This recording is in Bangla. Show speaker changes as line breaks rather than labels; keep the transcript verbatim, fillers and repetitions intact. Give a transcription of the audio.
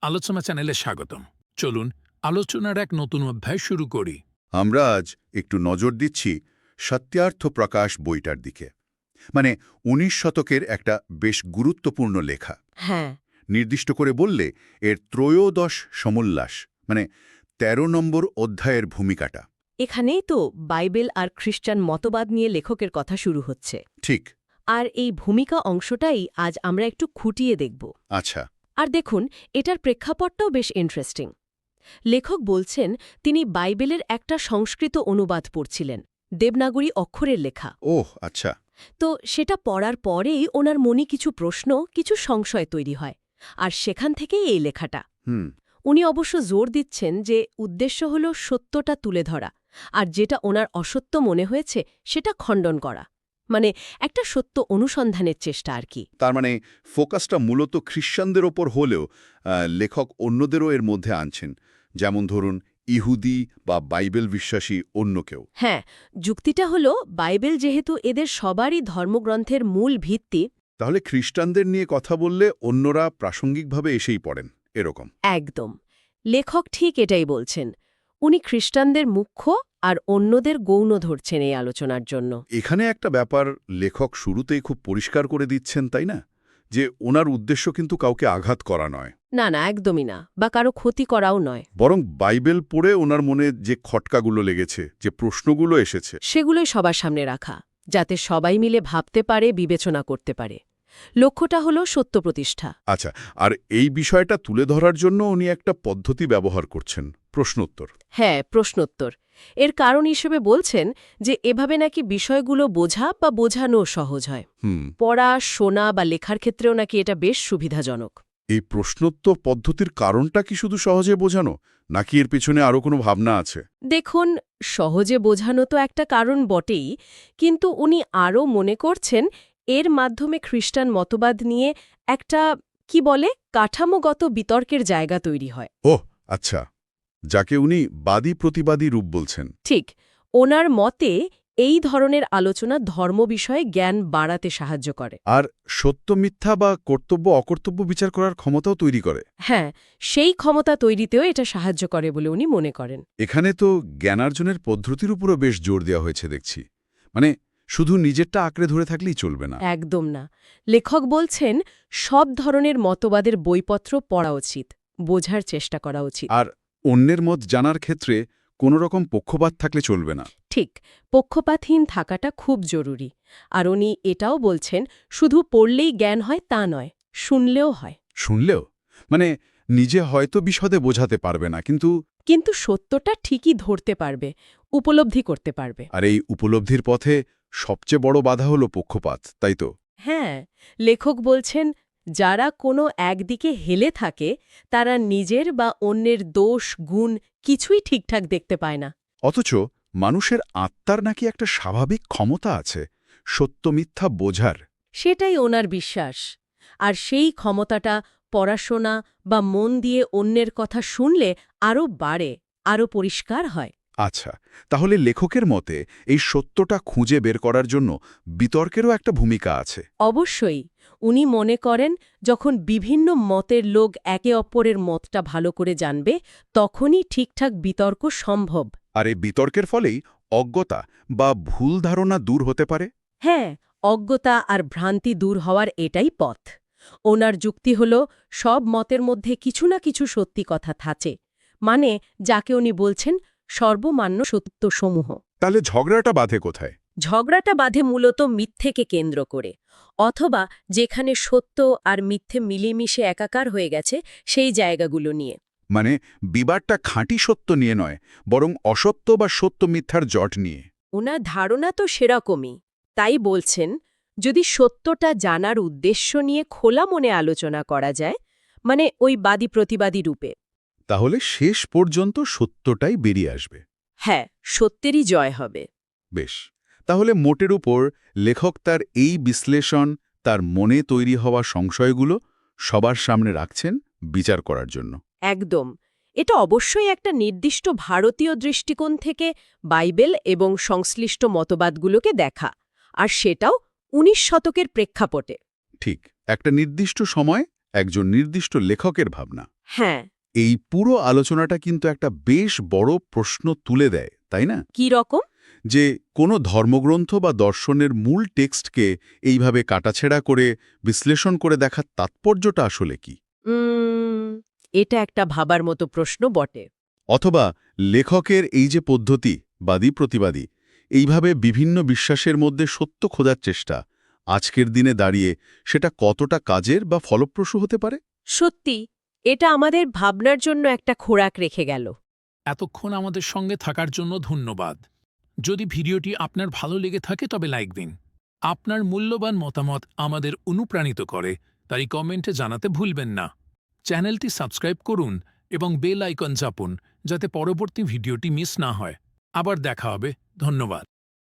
আলোচনা চ্যানেলে স্বাগতম। চলুন আলোচনার এক নতুন অধ্যায় শুরু করি।
আমরা আজ একটু নজর দিচ্ছি সত্যার্থ প্রকাশ বইটার দিকে, মানে উনিশ শতকের একটা বেশ গুরুত্বপূর্ণ লেখা।
হ্যাঁ,
নির্দিষ্ট করে বললে এর ত্রয়োদশ সমোল্লাস, মানে ১৩ নম্বর অধ্যায়ের ভূমিকাটা।
এখানেই তো বাইবেল আর খ্রিস্টান মতবাদ নিয়ে লেখকের কথা শুরু হচ্ছে।
ঠিক।
আর এই ভূমিকা অংশটাই আজ আমরা একটু খুঁটিয়ে দেখব।
আচ্ছা।
আর দেখুন, এটার প্রেক্ষাপটটাও বেশ ইন্টারেস্টিং। লেখক বলছেন তিনি বাইবেলের একটা সংস্কৃত অনুবাদ পড়ছিলেন, দেবনাগরী অক্ষরের লেখা।
ওহ আচ্ছা।
তো সেটা পড়ার পরেই ওনার মনে কিছু প্রশ্ন, কিছু সংশয় তৈরি হয়। আর সেখান থেকেই এই লেখাটা।
হুম।
উনি অবশ্য জোর দিচ্ছেন যে উদ্দেশ্য হল সত্যটা তুলে ধরা, আর যেটা ওনার অসত্য মনে হয়েছে সেটা খণ্ডন করা, মানে একটা সত্য অনুসন্ধানের চেষ্টা আর কি।
তার মানে ফোকাসটা মূলত খ্রিশ্চানদের ওপর হলেও আহ, লেখক অন্যদেরও এর মধ্যে আনছেন, যেমন ধরুন ইহুদি বা বাইবেল বিশ্বাসী অন্য কেউ।
হ্যাঁ, যুক্তিটা হলো বাইবেল যেহেতু এদের সবারই ধর্মগ্রন্থের মূল ভিত্তি।
তাহলে খ্রিস্টানদের নিয়ে কথা বললে অন্যরা প্রাসঙ্গিকভাবে এসেই পড়েন, এরকম।
একদম, লেখক ঠিক এটাই বলছেন। উনি খ্রিস্টানদের মুখ্য আর অন্যদের গৌণ ধরছেন এই আলোচনার জন্য।
এখানে একটা ব্যাপার লেখক শুরুতেই খুব পরিষ্কার করে দিচ্ছেন, তাই না? যে ওনার উদ্দেশ্য কিন্তু কাউকে আঘাত করা নয়।
না না, একদমই না, বা কারো ক্ষতি করাও নয়।
বরং বাইবেল পড়ে ওনার মনে যে খটকাগুলো লেগেছে, যে প্রশ্নগুলো এসেছে,
সেগুলোই সবার সামনে রাখা, যাতে সবাই মিলে ভাবতে পারে, বিবেচনা করতে পারে। লক্ষ্যটা হলো সত্য প্রতিষ্ঠা।
আচ্ছা, আর এই বিষয়টা তুলে ধরার জন্য উনি একটা পদ্ধতি ব্যবহার করছেন, প্রশ্নোত্তর।
হ্যাঁ, প্রশ্নোত্তর। এর কারণ হিসেবে বলছেন যে এভাবে নাকি বিষয়গুলো বোঝা বা বোঝানো সহজ হয়।
হুম।
পড়া, শোনা বা লেখার ক্ষেত্রেও নাকি এটা বেশ সুবিধাজনক।
এই প্রশ্নোত্তর পদ্ধতির কারণটা কি শুধু সহজে বোঝানো, নাকি এর পেছনে আরও কোনো ভাবনা আছে?
দেখুন, সহজে বোঝানো তো একটা কারণ বটেই, কিন্তু উনি আরও মনে করছেন এর মাধ্যমে খ্রিস্টান মতবাদ নিয়ে একটা, কি বলে, কাঠামোগত বিতর্কের জায়গা তৈরি হয়।
ওহ আচ্ছা, যাকে উনি বাদী প্রতিবাদী রূপ বলছেন।
ঠিক, ওনার মতে এই ধরনের আলোচনা ধর্ম বিষয়ে জ্ঞান বাড়াতে সাহায্য করে।
আর সত্য মিথ্যা বা কর্তব্য অকর্তব্য বিচার করার ক্ষমতাও তৈরি করে।
হ্যাঁ, সেই ক্ষমতা তৈরিতেও এটা সাহায্য করে বলে উনি মনে করেন।
এখানে তো জ্ঞানার্জনের পদ্ধতির উপরও বেশ জোর দেওয়া হয়েছে দেখছি, মানে শুধু নিজেরটা আঁকড়ে ধরে থাকলেই চলবে না।
একদম না। লেখক বলছেন সব ধরনের মতবাদের বইপত্র পড়া উচিত, বোঝার চেষ্টা করা উচিত।
আর অন্যের মত জানার ক্ষেত্রে কোনো রকম পক্ষপাত থাকলে চলবে না।
ঠিক, পক্ষপাতহীন থাকাটা খুব জরুরি। আর উনি এটাও বলছেন শুধু পড়লেই জ্ঞান হয় তা নয়, শুনলেও হয়।
শুনলেও, মানে নিজে হয়তো বিশদে বোঝাতে পারবে না, কিন্তু
কিন্তু সত্যটা ঠিকই ধরতে পারবে, উপলব্ধি করতে পারবে।
আর এই উপলব্ধির পথে সবচেয়ে বড় বাধা হলো পক্ষপাত, তাই তো?
হ্যাঁ, লেখক বলছেন যারা কোনো একদিকে হেলে থাকে তারা নিজের বা অন্যের দোষ, গুণ কিছুই ঠিকঠাক দেখতে পায় না।
অথচ মানুষের আত্মার নাকি একটা স্বাভাবিক ক্ষমতা আছে সত্য মিথ্যা বোঝার।
সেটাই ওনার বিশ্বাস। আর সেই ক্ষমতাটা পড়াশোনা বা মন দিয়ে অন্যের কথা শুনলে আরও বাড়ে, আরও পরিষ্কার হয়।
আচ্ছা, তাহলে লেখকের মতে এই সত্যটা খুঁজে বের করার জন্য বিতর্কেরও একটা ভূমিকা আছে।
অবশ্যই, উনি মনে করেন যখন বিভিন্ন মতের লোক একে অপরের মতটা ভালো করে জানবে, তখনই ঠিকঠাক বিতর্ক সম্ভব।
আর এই বিতর্কের ফলেই অজ্ঞতা বা ভুল ধারণা দূর হতে পারে।
হ্যাঁ, অজ্ঞতা আর ভ্রান্তি দূর হওয়ার এটাই পথ। ওনার যুক্তি হল সব মতের মধ্যে কিছু না কিছু সত্যি কথা থাকে, মানে যাকে উনি বলছেন সর্বমান্য সত্যসমূহ।
তাহলে ঝগড়াটা বাধে কোথায়?
ঝগড়াটা বাধে মূলত মিথ্যেকে কেন্দ্র করে, অথবা যেখানে সত্য আর মিথ্যে মিলেমিশে একাকার হয়ে গেছে সেই জায়গাগুলো নিয়ে।
মানে বিবাদটা খাঁটি সত্য নিয়ে নয়, বরং অসত্য বা সত্য মিথ্যার জট নিয়ে।
ওনার ধারণা তো সেরকমই। তাই বলছেন যদি সত্যটা জানার উদ্দেশ্য নিয়ে খোলা মনে আলোচনা করা যায়, মানে ওই বাদী প্রতিবাদী রূপে,
তাহলে শেষ পর্যন্ত সত্যটাই বেরিয়ে আসবে।
হ্যাঁ, সত্যেরই জয় হবে।
বেশ, তাহলে মোটের উপর লেখক তার এই বিশ্লেষণ, তার মনে তৈরি হওয়া সংশয়গুলো সবার সামনে রাখছেন বিচার করার জন্য।
একদম, এটা অবশ্যই একটা নির্দিষ্ট ভারতীয় দৃষ্টিকোণ থেকে বাইবেল এবং সংশ্লিষ্ট মতবাদগুলোকে দেখা, আর সেটাও উনিশ শতকের প্রেক্ষাপটে।
ঠিক, একটা নির্দিষ্ট সময় একজন নির্দিষ্ট লেখকের ভাবনা।
হ্যাঁ।
এই পুরো আলোচনাটা কিন্তু একটা বেশ বড় প্রশ্ন তুলে দেয়, তাই না?
কি রকম?
যে কোনো ধর্মগ্রন্থ বা দর্শনের মূল টেক্সটকে এইভাবে কাটাছেড়া করে বিশ্লেষণ করে দেখার তাৎপর্যটা আসলে কি?
উম, এটা একটা ভাবার মতো প্রশ্ন বটে।
অথবা লেখকের এই যে পদ্ধতি, বাদী প্রতিবাদী, এইভাবে বিভিন্ন বিশ্বাসের মধ্যে সত্য খোঁজার চেষ্টা, আজকের দিনে দাঁড়িয়ে সেটা কতটা কাজের বা ফলপ্রসূ হতে পারে?
সত্যি, এটা আমাদের ভাবনার জন্য একটা খোরাক রেখে গেল।
এতক্ষণ আমাদের সঙ্গে থাকার জন্য ধন্যবাদ। যদি ভিডিওটি আপনার ভালো লেগে থাকে তবে লাইক দিন। আপনার মূল্যবান মতামত আমাদের অনুপ্রাণিত করে, তাই কমেন্টে জানাতে ভুলবেন না। চ্যানেলটি সাবস্ক্রাইব করুন এবং বেল আইকন চাপুন যাতে পরবর্তী ভিডিওটি মিস না হয়। আবার দেখা হবে। ধন্যবাদ।